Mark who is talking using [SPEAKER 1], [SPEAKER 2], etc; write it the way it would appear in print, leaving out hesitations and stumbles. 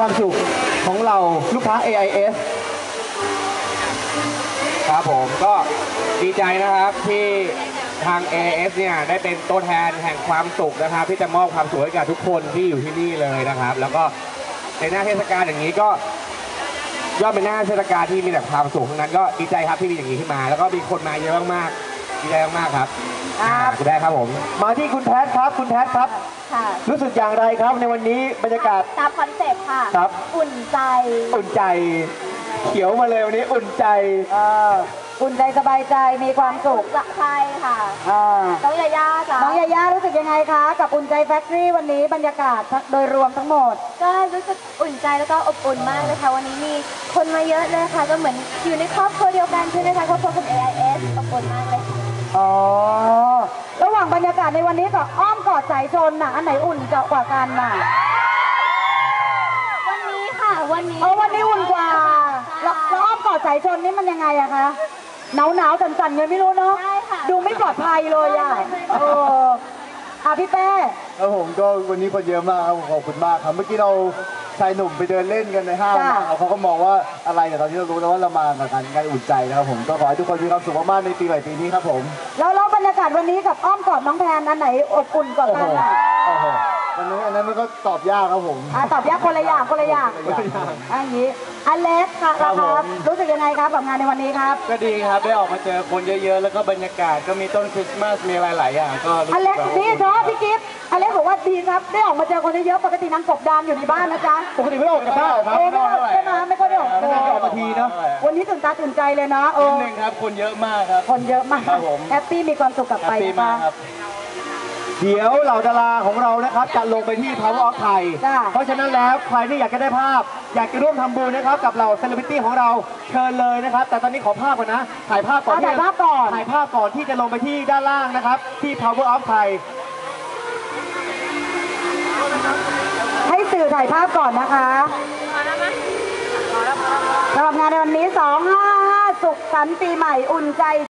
[SPEAKER 1] ความสุขของเราลูกค้า AIS
[SPEAKER 2] ครับผมก็ดีใจนะครับที่ทาง AIS เนี่ยได้เป็นตัวแทนแห่งความสุขนะครับที่จะมอบความสุขให้กับทุกคนที่อยู่ที่นี่เลยนะครับ แล้วก็ในหน้าเทศกาลอย่างนี้ก็ย่อมเป็นหน้าเทศกาลที่มีแต่ความสุขทั้งนั้นก็ดีใจครับที่มีอย่างนี้ขึ้นมาแล้วก็มีคนมาเยอะมากๆดีใจมากๆครับคุณได้ครับผม
[SPEAKER 1] มาที่คุณแพทครับคุณแพทครับรู้สึกอย่างไรครับในวันนี้บรรยากาศ
[SPEAKER 3] ตามคอนเซ็ปต์ค่ะ
[SPEAKER 1] ครับ
[SPEAKER 3] อุ่นใจ
[SPEAKER 1] อุ่นใจเขียวมาเลยวันนี้อุ่นใจ
[SPEAKER 3] อุ่นใจสบายใจมีความสุขใช่ค่ะน้องยาย่าจ้ะน้องยาย่ารู้สึกยังไงคะกับอุ่นใจแฟคทอรี่วันนี้บรรยากาศโดยรวมทั้งหมด
[SPEAKER 4] ก็รู้สึกอุ่นใจแล้วก็อบอุ่นมากเลยค่ะวันนี้มีคนมาเยอะเลยค่ะก็เหมือนอยู่ในครอบครัวเดียวกันใช่ไหมคะครอบครัวของ AIS อบอุ่นมากเลย
[SPEAKER 3] อ๋อระหว่างบรรยากาศในวันนี้กับอ้อมกอดสายชนน่ะอันไหนอุ่นกว่ากันน่ะ
[SPEAKER 4] วันนี้ค่ะวันนี้
[SPEAKER 3] วันนี้อุ่นกว่าแล้วอ้อมกอดสายชนนี่มันยังไงอะคะหนาวสั่นๆเงี้ยไม่รู้เนาะดูไม่ปลอดภัยเลยอะพี่เป้
[SPEAKER 1] แล้วผมก็วันนี้คนเยอะมากครับขอบคุณมากครับเมื่อกี้เราชายหนุ่มไปเดินเล่นกันในห้างเขาก็มองว่าอะไรแต่ตอนนี้เรารู้แล้วว่าเรามากับการอุ่นใจนะครับผมก็ขอให้ทุกคนมีความสุขมากๆในปีใหม่ปีนี้ครับผม
[SPEAKER 3] แล้วบรรยากาศวันนี้กับอ้อมกอดน้องแพนอันไหนอบอุ่นกว่ากัน
[SPEAKER 1] อันนั้นมันก็ตอบยากครับผม
[SPEAKER 3] ตอบยากคนละอย่างอย่างนี้อเล็กค่ะครับรู้สึกยังไงครับกับงานในวันนี้ครับ
[SPEAKER 2] ก็ดีครับได้ออกมาเจอคนเยอะๆแล้วก็บรรยากาศก็มีต้นคริสต์มาสมีหลายๆอย่างก็
[SPEAKER 3] อเล็กดีเนาะพี่กิฟต์อเล็กบอกว่าดีครับได้ออกมาเจอคนเยอะๆปกตินางกบดานอยู่ในบ้านนะจ๊ะ
[SPEAKER 1] ปกติไม่ออกจากบ้านครับ
[SPEAKER 3] ไม่ค่อยได้ออก
[SPEAKER 1] มาทีเนาะ
[SPEAKER 3] วันนี้ตื่นตาตื่นใจเลยนะ
[SPEAKER 2] นิดนึงครับคนเยอะมากครับ
[SPEAKER 3] คนเยอะมากแฮปปี้มีความสุขกลับไป
[SPEAKER 2] ครับ
[SPEAKER 1] เดี๋ยวเหล่าดาราของเรานะครับจะลงไปที่ Power of Thai เพราะฉะนั้นแล้วใครที่อยากจะได้ภาพอยากจะร่วมทำบุญนะครับกับเหล่าเซเลบริตี้ของเราเชิญเลยนะครับแต่ตอนนี้ขอภาพก่อนนะถ่ายภาพก่อน
[SPEAKER 3] ถ่ายภาพ
[SPEAKER 1] ก่อนที่จะลงไปที่ด้านล่างนะครับที่ Power of Thai
[SPEAKER 3] ให้สื่อถ่ายภาพก่อนนะคะสำหรับงานในวันนี้255สุขสันต์ปีใหม่อุ่นใจ